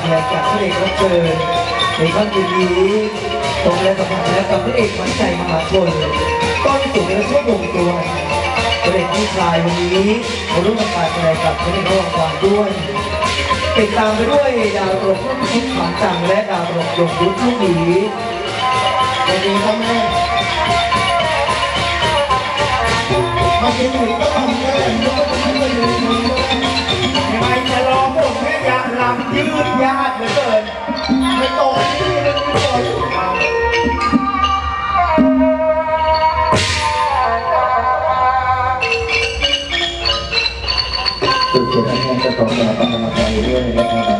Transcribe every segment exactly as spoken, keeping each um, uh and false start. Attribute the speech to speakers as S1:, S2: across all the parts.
S1: แสดงจากพระเอกรับเชิญในค่ำคืนนี้ตรงและสัมผัสและกับพระเอกขวัญใจมหาชนต้นสุดและช่วงวงตัวพระเอกผู้ชายวันนี้มาร่วมกันการแสดงกับพระเอกรางวัลด้วยติดตามไปด้วยดาวตลกรุ่นทุกขวัญจังและดาวตลกยงยุทธลูกหมีวันนี้ก็แม่มาเก็บหนูก็ทำได้ยังไงจะรอพวกแม่ยาลำยืดยาดเหลือเกินไม่โตที่เลยไม่โตจุดเด่นอันนี้จะต้องมาประมาณไปเรื่อยๆนะครับ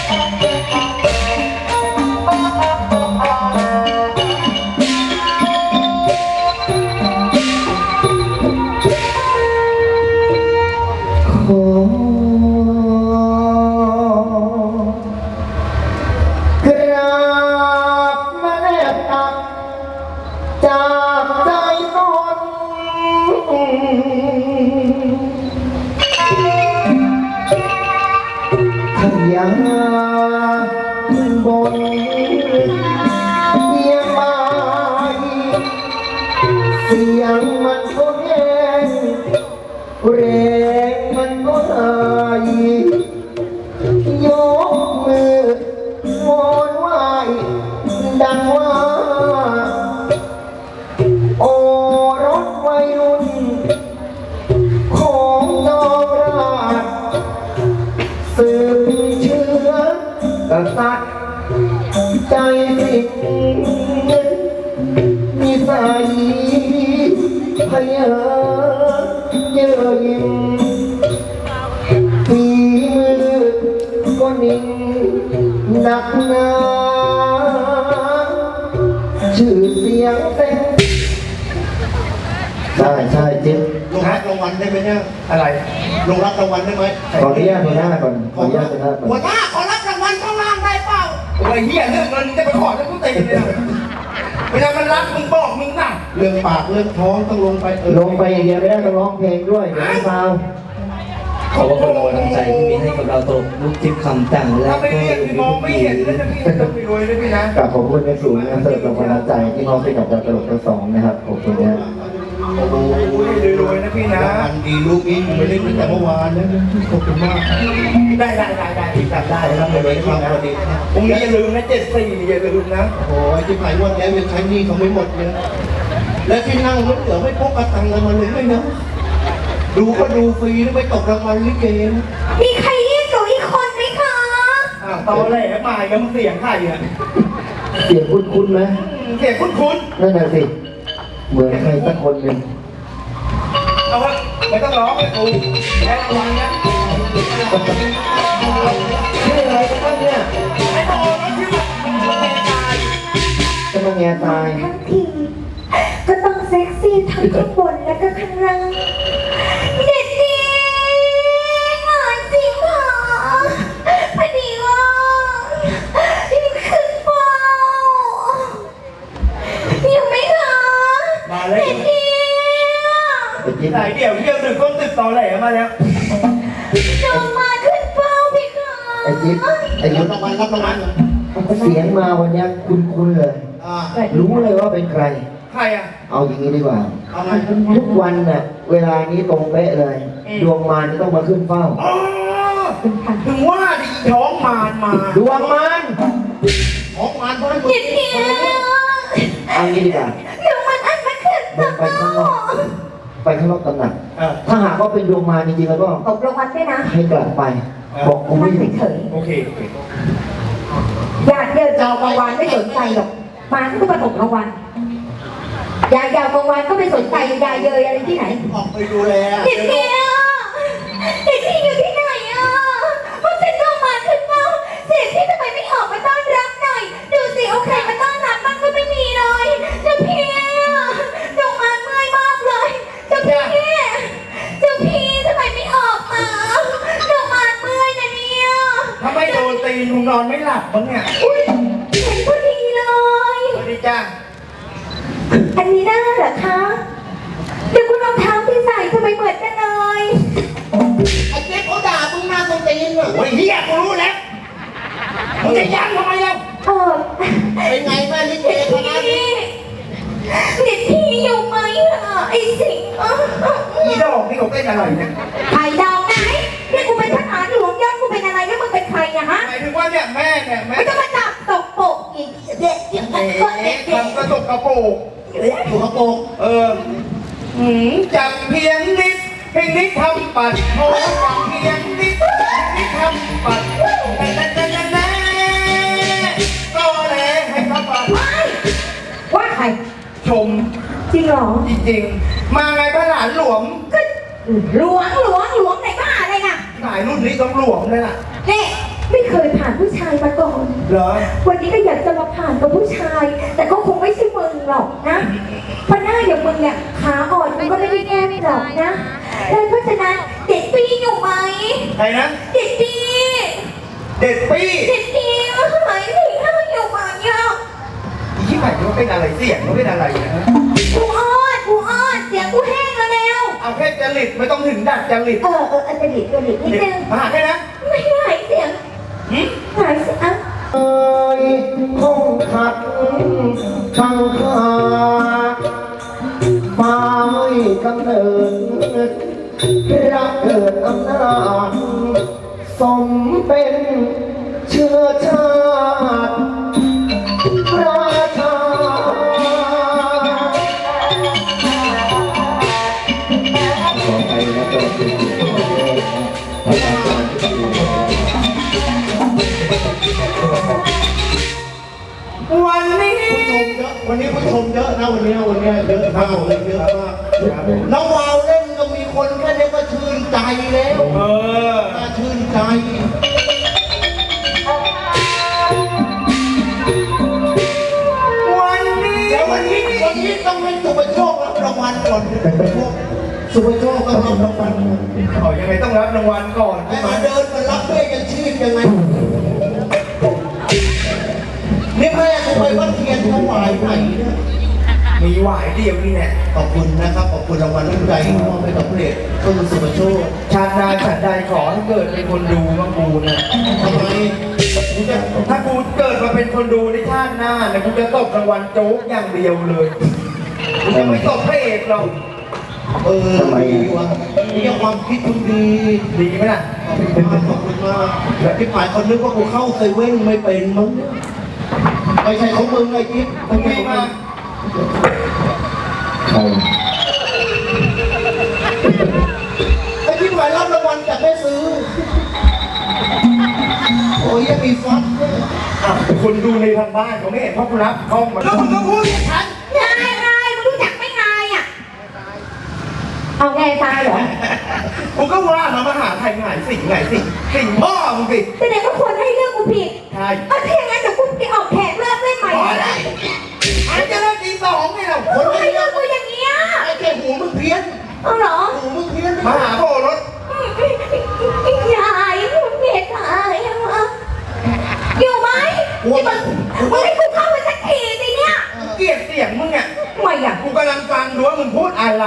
S1: ยังบนเสียงไม้เสียงมันก็แห้งแรงมันก็หายยกมือวอนไหวดังว่าโอรสวัยรุ่นของนองราชสืบเชื้อกษัตริย์ใจสิทธิ์นิสัยพยาเยื่อยิ่งฝีมือก็นิ่งหนักหนาชื่อเสียงเต็มใช่ใช่จิ๊บลงรับรางวัลได้ไหมเนี่ยอะไรลงรับรางวัลได้ไหมขออนุญาตหัวหน้าก่อนขออนุญาตหัวหน้าก่อนหัวหน้าขอรับรางวัลข้างล่างได้เปล่าไอ้เหี้ยเรื่องเงินจะไปขอแล้วกูตีเลยเวลามันรักมึงบอกมึงน่ะเรื่องปากเรื่องท้องต้องลงไปลงไปอย่างเดียวไม่ได้ต้องร้องเพลงด้วยเดี๋ยวไม่เมาขอบคุณกำลังใจที่มีให้กับเราตกลูกทิพย์คำจังและก็มองไม่เห็นแล้วจะพี่ต้องไปรวยเลยพี่นะกราบขอบคุณในสูงนะสำหรับกำลังใจที่มอบให้กับเราตลกทั้งสองนะครับขอบคุณนะโอ้โหรวยๆนะพี่นะมันดีลูกนี้ไปเล่นตั้งแต่เมื่อวานแล้วขอบคุณมากได้ได้ได้ได้จำได้ครับเลยครับพอดีพรุ่งนี้อย่าลืมนะเจ็ดสี่อย่าลืมนะโอ้ยที่ผ่านวันแล้วยังใช้หนี้เขาไม่หมดเลยและที่นั่งรถเหลือไม่พกกระตังเลยมาเลยไม่นะดูก็ดูฟรีไม่ตกรางวัลลิเก
S2: มีใครเรียกหนูอีกคนไหมคะ
S1: อ่าตอนแรกมายังเสียงใครอ่ะเสียงคุ้นๆไหมเสียงคุ้นๆนั่นแหละสิเหมือนใครสักคนหนึ่งเอาวะไม่ต้องร้องเลยกูแค่รางวัลนะชื่ออะไรกันบ้างเนี่ยไอ้โตแล้วชื่อมันแง่ตายจะมาแง่ตาย
S2: ทั้งทีก็ต้องเซ็กซี่ทั้งข้างบนและก็ข้างล่างเด็ดดีงานจริงเหรอพอดีว่ายังขึ้นเฝ้าอยู่ไหมคะ
S1: มาเลยเด็ดดีไหนเดี๋ยวเดี๋ยวดึกก้นตึกตอแหลมาแล้ว
S2: น้องมาขึ้นเฝ้าพี่คะ
S1: ไอ้จิ๊บไอ้จิ๊บรับรางวัลรับรางวัลเสียงมาวันนี้คุ้นๆเลยรู้เลยว่าเป็นใครใครอ่ะเอาอย่างนี้ดีกว่าทุกวันน่ะเวลานี้ตรงเป๊ะเลยดวงมารต้องมาขึ้นเฝ้าถึงว่าดิท้องมารมาดวงมารท้องมารเพราะ
S2: เด็ดดี
S1: เอางี้ดีกว่า
S2: ดวงมารอันมาขึ้นเฝ้า
S1: ไปข้างนอกไปข้างนอกตำหนักถ้าหากว่าเป็นดวงมารจริงๆแล้วก็
S2: ตกรางวัลด้วยนะ
S1: ให้กลับไปบอกกูไม่เฉยโอเค
S2: อยากเจอเจ้ารางวัลไม่สนใจหรอกมาก็มาตกรางวัลยายยาวกลางวันก็ไม่สนใจยายเยยอะไรที่ไหน
S1: ออกไปดูแล
S2: เด็กเดียวเด็กที่อยู่ที่ไหนอ่ะพวกฉันก็มาขึ้นเฝ้าเสียที่ทำไมไม่ออกมาต้อนรับหน่อยดูสิเอาใครมาต้อนรับมันก็ไม่มีเลยเจ้าพี่ดวงมาเมื่อยมากเลยเจ้าพี่เจ้าพี่ทำไมไม่ออกมาดวงมาเมื่อยนะเนี่ย
S1: ถ้าไม่โดนตีลุงนอนไม่หลับบ้างเนี่ย
S2: อุ้ยเห็นพอดีเลย
S1: พอดีจ้า
S2: อันนี้ได้เหรอคะเดี๋ยวคุณรองเท้าที่ใส่ทำไมเหมือนกันเลย
S1: ไอ้เจ๊เขาด่ามึงมาตรงตีนเหรอโอ้ยเฮียกูรู้แล้วมึงจะยันทำไมเล่า
S2: เออ
S1: เป็นไงแม่ลิเก
S2: พี่
S1: คณะนี้
S2: เด็กพี่อยู่ไหมอ่ะไอ้สิงห์อ่ะ
S1: อีดอกนี่เขาเป็นอะไรเนี่ย
S2: ไข่ดาวไหนเนี่ยกูเป็นทหารหลวงยอดกูเป็นอะไรแล้วมึงเป็นใครอะฮะ
S1: หมายถึงว่าเนี่ยแม่เนี่ยแม่
S2: ไม่ต้องมาจับตกโปกอีกเด็กเด็ก
S1: เอ๊
S2: เด็กเด็ก
S1: ะทำกระตุกกระโปง
S3: ถูกกระโปรง
S1: เออหืมจับเพียงนิดเพียงนิดทำปัดโอ้จับเพียงนิดนิดทำปัดแต่แต่แต่แต่แต่ก็เลยให้ทำปัด
S2: ว่าใคร
S1: ชม
S2: จริงเหรอ
S1: จริงๆ มาไงพระหลานหลวง
S2: ก็หลวงหลวงหลวงไหนบ้าอะไรน่ะ
S1: หลายรุ่นนี้ต้องหลวงเลยล่ะ
S2: เนี่ยไม่เคยผ่านผู้ชายมาก่อน
S1: เหรอ
S2: วันนี้ก็อยากจะมาผ่านกับผู้ชาย แต่ก็คงไม่ใช่มึงหรอกนะเพราะหน้าอย่างมึงเนี่ยขาอ่อนมันก็ไม่ได้แก้ไม่หรอกนะดังเพราะฉะนั้นเด็กปีอยู่ไหม
S1: ใครนะ
S2: เด็กปี
S1: เด็ดปี้
S2: เด็กปีว่าทำไมถึงห้าอยู่ไหมอ่ะ
S1: อีที่ไหนมันเป็นอะไรเสียงมันเป็นอะไรนะ
S2: กูอ้อนกูอ้อนเสียงกูแห้งแล้วแล้ว
S1: เอาแค่จริตไม่ต้องถึงดัดจริต
S2: เออเอออันจะหลีกจะหลีกนิดนึง
S1: มาหาแค่นะ
S2: ไม่หายเสียง
S1: หืม
S2: หายเสียง
S3: เอ้ยคงขัดช่างหาฟ้าไม่กำเนิดรักเกิดอำนาจสมเป็นเชื้อชาติราชาขอไปนะตัวจริงพระอาจารย์ที่ดี
S1: วันนี้
S3: ผู้ชมเยอะวันนี้ผู้ชมเยอะนะวันนี้วันนี้เยอะมากเลยเยอะมากน้องวาวเล่นก็มีคนแค่นี้ก็ชื่นใจแล้ว
S1: เออ
S3: น่าชื่นใจ
S1: วันนี้
S3: เดี๋ยววันนี้วันนี้ต้องให้สุภโชครับรางวัลก่อนสุภโชคต้องรับรางวัล
S1: เขายังไงต้องรับรางวัลก่อน
S3: ไอ้
S1: ใช่ไหม
S3: มาเดินมารับด้วยกันชีพยังไงนี่แม่กูไปวัดเทียนถวายไหนเนี่ย
S1: มีหวายเดียวนี่แหละ
S3: ขอบคุณนะครับขอบคุณรางวัลน้ำใจที่มอบให้กับพระเอกต้นสุภโชค
S1: ชาติหน้าชาติใดขอให้เกิดเป็นคนดูมากูนะ
S3: ทำไม
S1: กูจะถ้ากูเกิดมาเป็นคนดูในชาติหน้าเนี่ยกูจะตบรางวัลโจ๊กอย่างเดียวเลยกูจะไม่ตบพระเอกหรอก
S3: เออดีวะนี่ความคิดคุณดี
S1: ดีไหมล่ะ
S3: ขอบคุณมากขอบคุณมากแล้วที่หมายคนนึกว่ากูเข้าเซเว่นไม่เป็นมั้งไม่ใช่ของมึงไอ้กิ๊ฟ
S1: มึงมีมา
S3: ใครไอ้ที่หมายรับรางวัลจากแม่ซื้อโอ้ยยังมีฟอนต์ด้วย
S1: อ่ะคนดูในทางบ้านเขาไม่เห็นเพราะกูรับกล้องมาแล้วมึงก็พูดอย่างฉัน
S2: นายนายมึงรู้จักไหม่นายอ่ะเอาไงตายเหรอ
S1: กูก็ว่ามามาหาใครหงายสิ่งหงายสิ่งสิ่งพ่อมึงสิ
S2: แสดงว่าคนให้เลือกกูผิด
S1: ใช่
S2: เอาถ้าอย่างนั้นเดี๋ยวกูไปออกแขกเลิกเล่นใหม่
S1: พอแล้วอันจะเลิกตีสองไงเรา
S2: ค
S1: คน น
S2: ให้
S1: ไม่
S2: เลือกกูอย่างเงี้ย
S3: ไอ้แค่หูมึงเพี้ยน
S2: เอาเหรอ
S3: หูมึงเพี้ยน
S1: มาหาพ่อรถ
S2: ยายคุณเมตตายอะอยู่ไหมที่มึงมึงให้กูเข้าไปสักทีสิเนี่ย
S1: เกลียดเสียงมึงอ่ะ
S2: ทำไมอ่ะ
S1: กูกำลังฟังดูว่ามึงพูดอะไร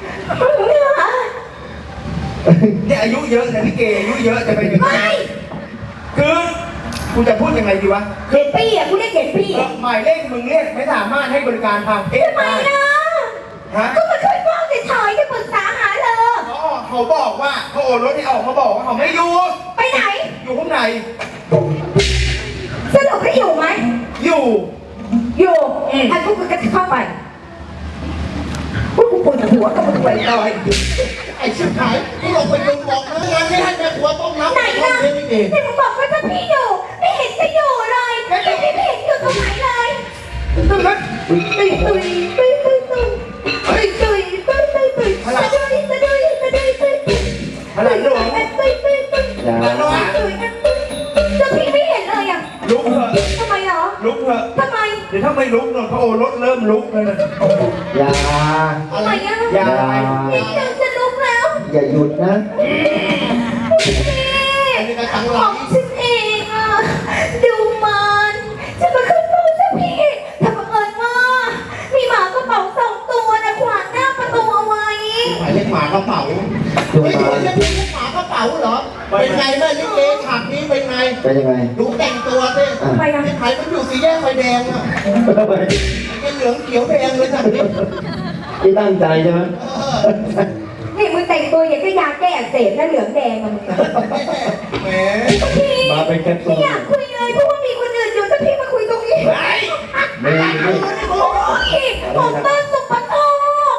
S1: เนี่ยอายุเยอะนะพี่เกอายุเยอะจะเป็นยังไง
S2: ไม่
S1: คือกูจะพูดยังไงดีวะ
S2: เด็กพี่อ่ะกูเรียกเด็กพี่อ่ะ
S1: หมายเลขมึงเรียกไม่สามารถให้บริการทางเพศ
S2: ทำไม
S1: ได้
S2: นะ
S1: ฮะ
S2: ก็มาช่วยพ่อเฉยๆจะปรึกษาหาเธอ
S1: เขาออกเขาบอกว่าเขาโอนรถให้ออกมาบอกว่าเขาไม่อยู่
S2: ไปไหน
S1: อยู่ข้างใน
S2: สรุปให้อยู่ไหม
S1: อยู่
S2: อยู่
S1: อืม
S2: อันพวกกูก็จะเข้าไปพวกกูปวดหัวกับมึงไปลอย
S3: ไอ้ชิบหายกูลงไปดูบอกนะงานที่ให้แม่ครัวต้มน้ำ
S2: ไหน
S3: ต้ม
S2: ล่ะ
S3: เลี้ยงนี่เอง
S2: ที่มึงบอกว่าถ้าพี่อยู่ไม่เห็นจะอยู่เลยไม่เห็นไม่เห็นอยู่ตรงไหนเลย
S1: ตึ้งนั้น
S2: ตุยตุยตุยตุยตุยตุยตุยตุยตุยตุยตุยตะดุยตะดุยตะดุยตะดุยตุย
S1: อะไรหลวง
S2: ตุยตุยตุย
S3: อย่า
S2: ตุยจะพี่ไม่เห็นเลยอ่ะ
S1: ลุกเถอะ
S2: ทำไมเหรอ
S1: ลุกเถอะ
S2: ทำไม
S1: เดี๋ยวถ้าไม่ลุกเนี่ยเขาโอนรถเริ่มลุกเลยนะ
S3: อย่า
S2: ทำไมอ่ะ
S1: อย่า
S2: นี่เดินจะลุกแล้ว
S3: อย่าหยุดนะ
S2: พี่ของฉันเองอ่ะดูมันจะมาขึ้นเฝ้าสักพี่ถ้าบังเอิญว่ามีหมากระเป๋าสองตัวนะขวางหน้าประตูเอาไว้
S3: หมายเลขหมากระเป๋า ดูมาเรียกหมากระเป๋าเหรอ
S1: ไม่เป็นไงแม่ลิเกฉากนี้เป็นไง
S3: เป็นยังไง
S1: ดูแต่งตัวสิ
S2: ไปยัง
S1: ไอ้ไผ่มันอยู่สีแยกไฟแดงอ่ะไอ้เหลืองเขียวแดงเลยฉากนี้
S3: ที่ตั้งใจใช่ไหม
S2: นี่มึงแต่งตัวอย่างก็ยาแก้อักเสบนะเหลืองแดงอะมึง
S1: แหม
S2: พี่
S3: มาเป็นแคปซู
S2: ไม่
S3: ล
S2: อยากคุยเลยเพราะว่ามีคนอื่นอยู่ถ้าพี่มาคุยตรงนี้
S1: ไอ้
S3: ไม่ไม่ไม่
S2: โอ้ยผมต้นสุปโชค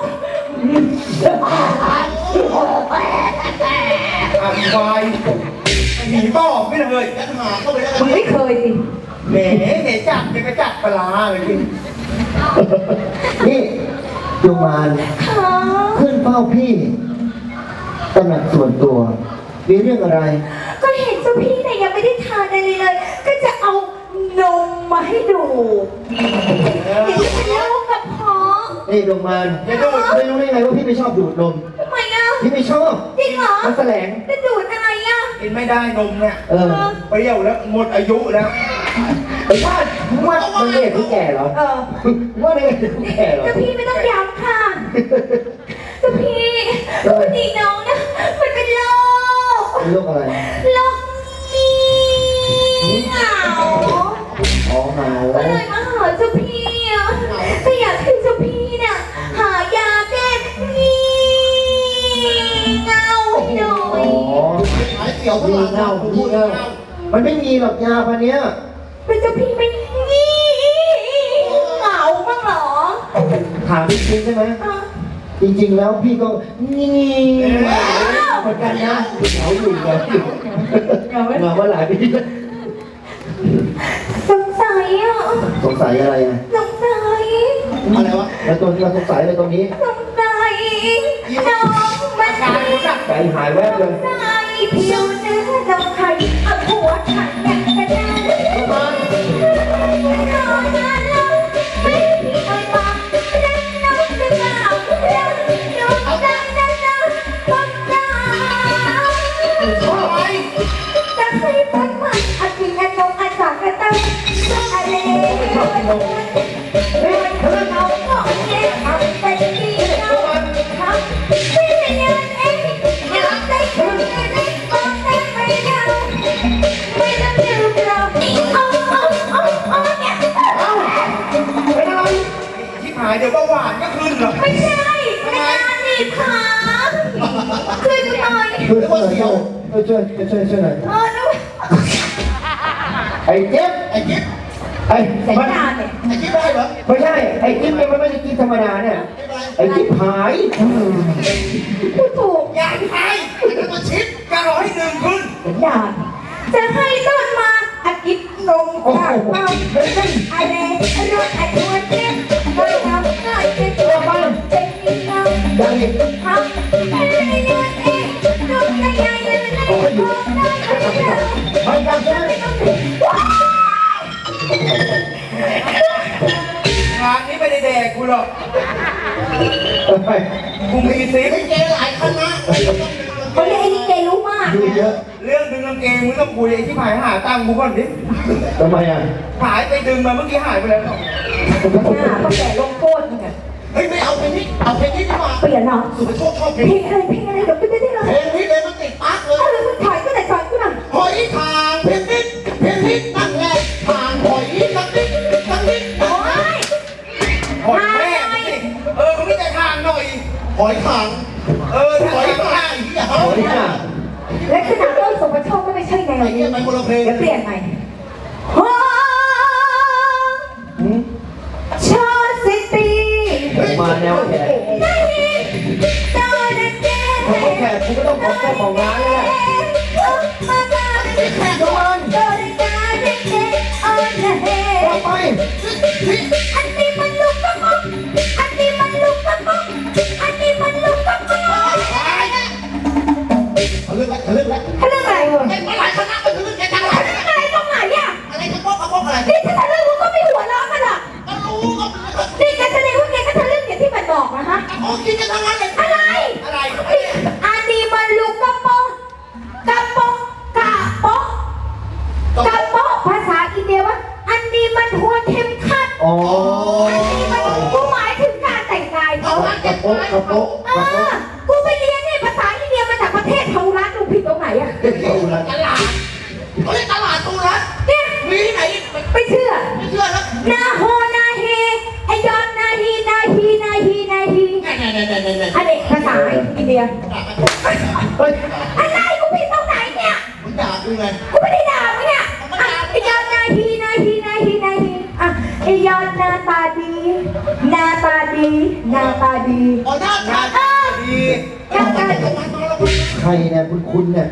S1: อ่ะควายหนีป้อบไม่เลยยัดหาเข้าไปแล้ว
S2: มึงไม่เคยสิ
S1: แหมเห็นจับจะกระจับปลาเลยพี่
S3: นี่ดวงมาร
S2: ค่ะ
S3: ขึ้นเฝ้าพี่ตำหนักส่วนตัว มีเรื่องอะไร
S2: ก็เห็นเจ้าพี่เนี่ยยังไม่ได้ทานอะไรเลย ก็จะเอานมมาให้ดูเดี๋ยวจะเป็นโรคกระเพาะ
S3: นี่ดวงมารไม่รู้ไม่รู้ได้ไงว่าพี่ไม่ชอบดูดนม
S2: ทำไมอ่ะ
S3: พี่ไม่ชอบ
S2: จริงเหรอ
S3: มันแสลง
S2: จะดูดอะไรอ่ะ
S1: กินไม่ได้นมเนี่ย
S3: เออ
S1: เปรี้ยวแล้วหมดอายุแล้ว
S3: ไอ้ว่ามึงว่ามันเด็กที่แก่เหรอ
S2: เออ
S3: มึงว่าเด็กที่แก่เหรอ
S2: เจ้าพี่ไม่ต้องย้ำค่ะเจ้าพี่พอดีน้องนะมันเป็นโรค
S3: เป็นโรคอะไร
S2: โรคงี่เหงา
S3: อ๋อเหงา
S2: ก็เลยมาหาเจ้าพี่อ่ะก็อยากให้เจ้าพี่เนี่ยหายาแก้งี่เงาให้หน่อ
S3: อ๋
S2: ย
S3: อ
S1: หายเสียว
S3: งี่เง่างี่เง่ามันไม่มีหรอกยาพันเนี้ย
S2: เป็นเจ้าพี่ไม่งี่เหงาบ้างเหรอ
S3: ถามจริงๆใช่ไหม
S2: อ่ะ
S3: จริงๆแล้วพี่ก็งี่เหมือนกันนะเหงาอยู่เหงาอยู่เหงามาหลายปี
S2: สงสัยอ่ะ
S3: สงสัยอะไรอ่ะ
S2: สงสัย
S1: อะไรวะ
S3: แล้วตัวที่เราสงสัยอะไรตรงนี้
S2: สงสัยน้องมันใจ
S3: ใจหายแวบเลย
S2: ใจผิวเนื้อน้องไข่เอาหัวฉันอย่างกระดานนอนนอนนอนไม่มีเอ่ยปากรักน้องหรือเปล่ารักน้องรักนะนะคนรัก
S1: อะไร
S2: จะให้ต้นมันอากินนมอาสากระตั้งอะไรเฮ้ยเธอเอาก็เย็นทำเป็นดีเราทำไม่ได้ยังเองอยากได้คุณได้บอกได้ไม่ได้ไม่ต้องลืมเราเอาเอาเอาเอาเนี่ย
S3: เป็นอะไร
S1: ที่หายเดี๋ยวเบาหวานก็ขึ้นเหรอ
S2: ไม่ใช่เป็นการหนีบขาช่วยดูหน่อย
S3: ช่วยช่วยช่วยช่วยช่วยช่วยหน่อย
S2: เออดู
S3: ไอ้เจ็บ
S1: ไอ้กิ๊บ
S3: ไอ้
S2: สัญ
S3: มัน
S2: ญาณเนี่ย
S1: ไอ้กิ๊บได้เหรอ
S3: ไม่ใช่ไอ้จิ๊บเนี่ยมันไม่ใช่จิ๊บธรรมดาเนี่ย ไอ้จิ๊บหาย
S2: พูดถูก
S1: อยากหายไอ้นั่นมาชิปกระร้อยหนึ่งขึ้น
S2: สัญญาณจะให้ต้นมาอากิบนม
S3: โอ้โห
S2: จากเป้า
S3: เฮ้ยเฮ้ย
S2: อะไรรถไอ้ตัวเจ็บไม่ทำง่ายเป็นตัวมันเป็นอีกแล้ว
S3: ยังอีก
S2: ทำอะไรเงินเองดูใหญ่ๆเลยนะโอ้ยได้ไหมเนี่ย
S3: ไม่กลับใช่ไหม
S2: ว้าย
S1: งานนี้ไม่ได้แดกกูหรอก
S3: ไป
S1: กูมีซิป
S4: ลิเกหลายคณะ
S2: เขาเรียกไอ้นี่เกรู้มาก
S3: ดูเยอะ
S1: เรื่องดึงกางเกงมึงต้องคุยไอ้ที่หายหาตังค์กูก่อนดิ
S3: ทำไมอ่ะ
S1: หายไปดึงมาเมื่อกี้หายไปแล้ว
S2: หน้าเขาแก่ลงโทษเนี่ย
S4: เฮ้ยไม่เอาเพลงนี้เอาเพลงนี้ดีกว่า
S2: เปลี่ยนเหรอ
S4: สุภโชคชอบเพ
S2: เพ
S4: ล
S2: ล
S4: ง
S2: งอะไรเพลงอะไรเดี๋ยวไปได้ได้เลย
S4: เพลงนี้เลยมันติดปากเล
S2: เอย อมึงถอยก็ไหนถอยก็ไหน
S4: หอยทางเพลงนิดเพลงนิดนั่นแหละทางหอยสักนิดสักนิด
S2: โอ้ย
S1: หอยแม่งสิเออมึงไม่ใจทางหน่อย
S4: หอยทาง
S1: เออ
S4: ห
S1: ห
S4: อ
S1: อย ย
S4: ทา
S1: ทาง ง
S4: อีกอย่าง
S3: โอ้ยอ่ะ
S2: และขนาดต้นสมบัติโชคก็ไม่ใช่แนว
S4: ไอ้
S2: นี้
S4: เงี้ยไปคนละเพลง
S2: เดี๋ยวเปลี่ยนใหม่ฮ่า
S3: หืม
S2: ชาสิตี
S3: มาแนวแขก
S2: ได้ตาเด็กเด็ก
S3: ถ้าเขาแขกกูก็ต้องขอเจ้าของร้านแล้วแหละ
S2: มาตาเด็กเด็ก
S3: ทุกคน
S2: ตาเด็กเด็กเด็กอ่อนละเฮ
S3: ต่อไป
S2: อันนี้มันลูกกระป๋องอันนี้มันลูกกระป๋องอันนี้มันลูกกระป๋อง
S4: เขาเลือกแล้วเขาเลือกแล้ว
S2: เขาเรื่องอะไรวะ
S4: เล่นมาหลายคณะมันคือเรื่องแกจังหวะ
S2: อะไรตรงไหนอ่ะ
S4: อะไรจะบอกกับบอกอะไร
S2: นี่ถ้าทะลึ่งมึงก็ไม่หัวเราะกันหรอก
S4: ก็รู้ก็
S2: นี่แกแสดงว่าแกก็ทะลึ่งอย่างที่มันบอกนะฮะ
S4: โอ้กินกันทั้งนั้นเลย
S2: อะไร
S4: อะไร
S2: อันนี้มันลูกกระป๋องกระป๋องกระป๋องกระป๋องภาษาอินเดียว่าอันนี้มันหัวเข็มขัด
S3: อ๋อ
S2: อันนี้มันกูหมายถึงการแต่งกาย
S4: เอา
S2: เขา
S4: ละ
S3: กระโปะกระโปะ
S2: เอก
S3: ระโปะ
S2: อกูไปเรียนเนี่ยภาษาอินเดียมาจากประเทศเทารัสดูผิดตรงไหนอะ
S3: เดี๋
S4: ด่ากัน
S3: เฮ้ย
S2: อะไรกูผิดตรงไหนเนี่ย
S4: มึงด่ากูไง
S2: กูไม่ได้ด่ามึงเนี่ยอ่ะไอ้ยอดนายทีนายทีนายทีนายทีอ่ะไอ้ยอดหน้าตาดีหน้าตาดีหน้าตาดี
S4: อ๋อหน้าตา
S2: เออ
S1: ดี
S2: หน้าตาดี
S3: ใครเนี่ยคุณคุณเนี่ย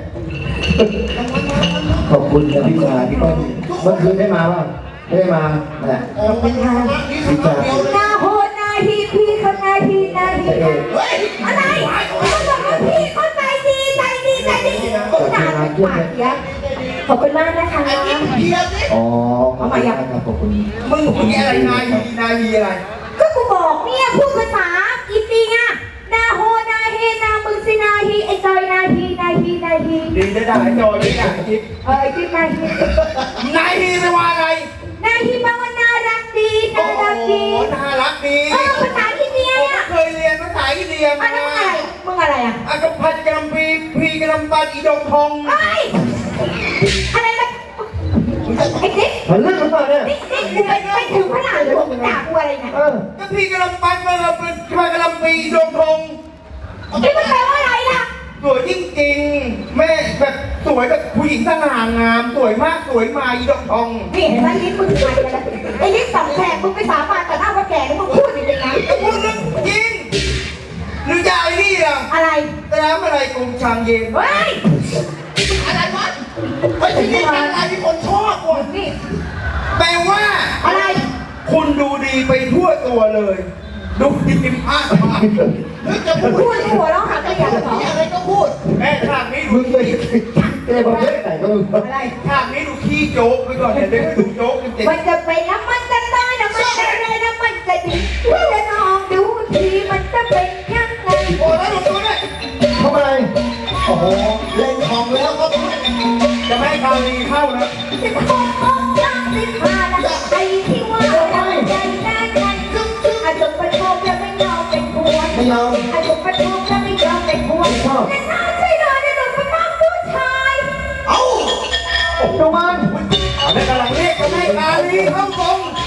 S3: ขอบคุณนะพี่ชายพี่ต้นเมื่อคืนได้มาป่ะไม่ได้มาแหละ
S4: โอ้เป็นไงนี่คือเดียวเลย
S2: หน้าโหดหน้าทีพี่เขาหน้าทีหน้าที
S3: พระเอก
S4: เฮ้ย
S2: อะไรเขาบอกว่าพี่เขาใจดีใจดีใจดีกูด่าเป็นปากเยอะขอบคุณมากนะคะ
S4: ไอ้กิ๊กเทียบนี่
S3: อ๋อขอบคุณมากครับขอบคุณ
S1: มึงมึงอะไรนายฮีนายฮีอะไร
S2: ก็กูบอกเนี่ยพูดภาษาอีปีอ่ะนาโฮนาเฮนามึงสินาฮีไอจอยนาฮีนาฮีนาฮี
S1: ดีจะด่าไอ้จอยไม่ด่าไอ้จิ๊บ
S2: เออไอจิ๊บนาฮี
S1: นายฮีไม่ว่าอะไร
S2: นาฮีแปลว่าน่ารักดี
S1: โอ้
S2: น่า
S1: โห
S2: รักดี
S1: น่ารักดี
S2: เออภาษาอินเดีย
S1: ผม
S2: เนี่ย
S1: เคยเรียนภาษาอินเดีย
S2: อั
S1: มาน
S2: นั้นอะไรมึงอะไรอ่ะ
S1: อากพัดกำปีพีกำปัดอีดงทอง
S2: ไอ้ยอะไรนะไอ้จิ๊บ
S3: มันเรื่องมันเปล่าเนี่ย
S2: นี่นี่กูไปไปถึงขนาดเลยมึงด่ากูอะไรเนี่ย
S3: เออ
S1: ก็พี่กำปัดมันเราเป็นพากำปีอีดงทอง
S2: นี่มันแปลว่าอะไรล่ะ
S1: สวยจริงๆแม่แบบสวยแบบผู้หญิงสง่างามสวยมากสวยมาอีดงทอง
S2: นี่เห็นไหมลิ้นมึงพันกันแล้วไอ้ลิ้นสองแฉกมึงไปสาบานต่อหน้าว่าแก่แล้วมึงพูดอย่างนี้นะ
S1: ก็พูดเรื่องจริงหรือจะไอ้นี่ล่ะ
S2: อะไร
S1: แต่แล้วอะไรกรุงชางเย็น
S2: เฮ้ย
S4: อะไรวะเฮ้ยที่นี่อะไรที่คนชอบว่ะ
S2: นี่
S1: แปลว่า
S2: อะไร
S1: คุณดูดีไปทั่วตัวเลย ดูดีมากมาก
S4: เฮ้ยจะพูด
S2: พูดหัวเราะหาตัวอย่างเหรอ
S4: ที่อะไรก็พูด
S1: แม่ฉากนี้ดู
S3: มึงเคยเจอประเภทไหนก็มึง
S2: อะไร
S1: ฉากนี้ดูขี้โจ๊กไปก่อนเดี๋ยวได้ไปดูโจ๊กจริง
S2: มันจะเป็นแล้วมันจะตายแล้วมันจะเลยแล้วมันจะดีพี่จะลองดูทีมันจะเป็นยังไง
S1: ๆโอ้แล้วดูตัวด้วย
S3: ทำอะไร
S4: โอ้โหเล่นของแล้วก็พูด
S1: จะไม่ให้คราวดีเข้านะ
S2: สิบหกองศาสิบห้าแล้วไอ้ที่ว่าเราใจแน่นกันอาจจะประชมแล้วไม่ยอมเป็นหัว
S3: ไม่ยอม
S2: อาจจะประชมแล้วไม่ยอมเป็นหัวแต่น่าใช่เลยในหนุ่มเป็นน้องผู้ชาย
S4: เอ้า
S3: ดูมัน
S1: แม่กำลังเรียกจะไม่ให้คราวดีเข้าตรง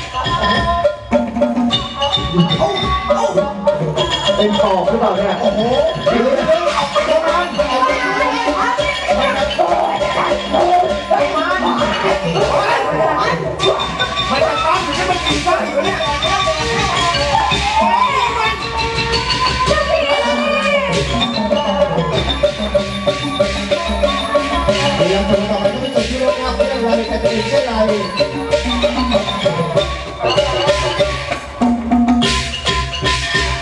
S4: เอ้าเอ้า
S3: เป็นปอบหรือเปล่าเนี่ย
S4: โอ้โหเดี๋ยวเดี๋ยวเอาไปโดนมันเอาไปโดนมัน
S1: มันจะตามถึงจะมากินข้าวอยู่เนี่ย
S4: พยายามจะต่อไปก็ไม่จบที่เรื่องราวเรื่องอะไรแต่จะเป็นเช่นไร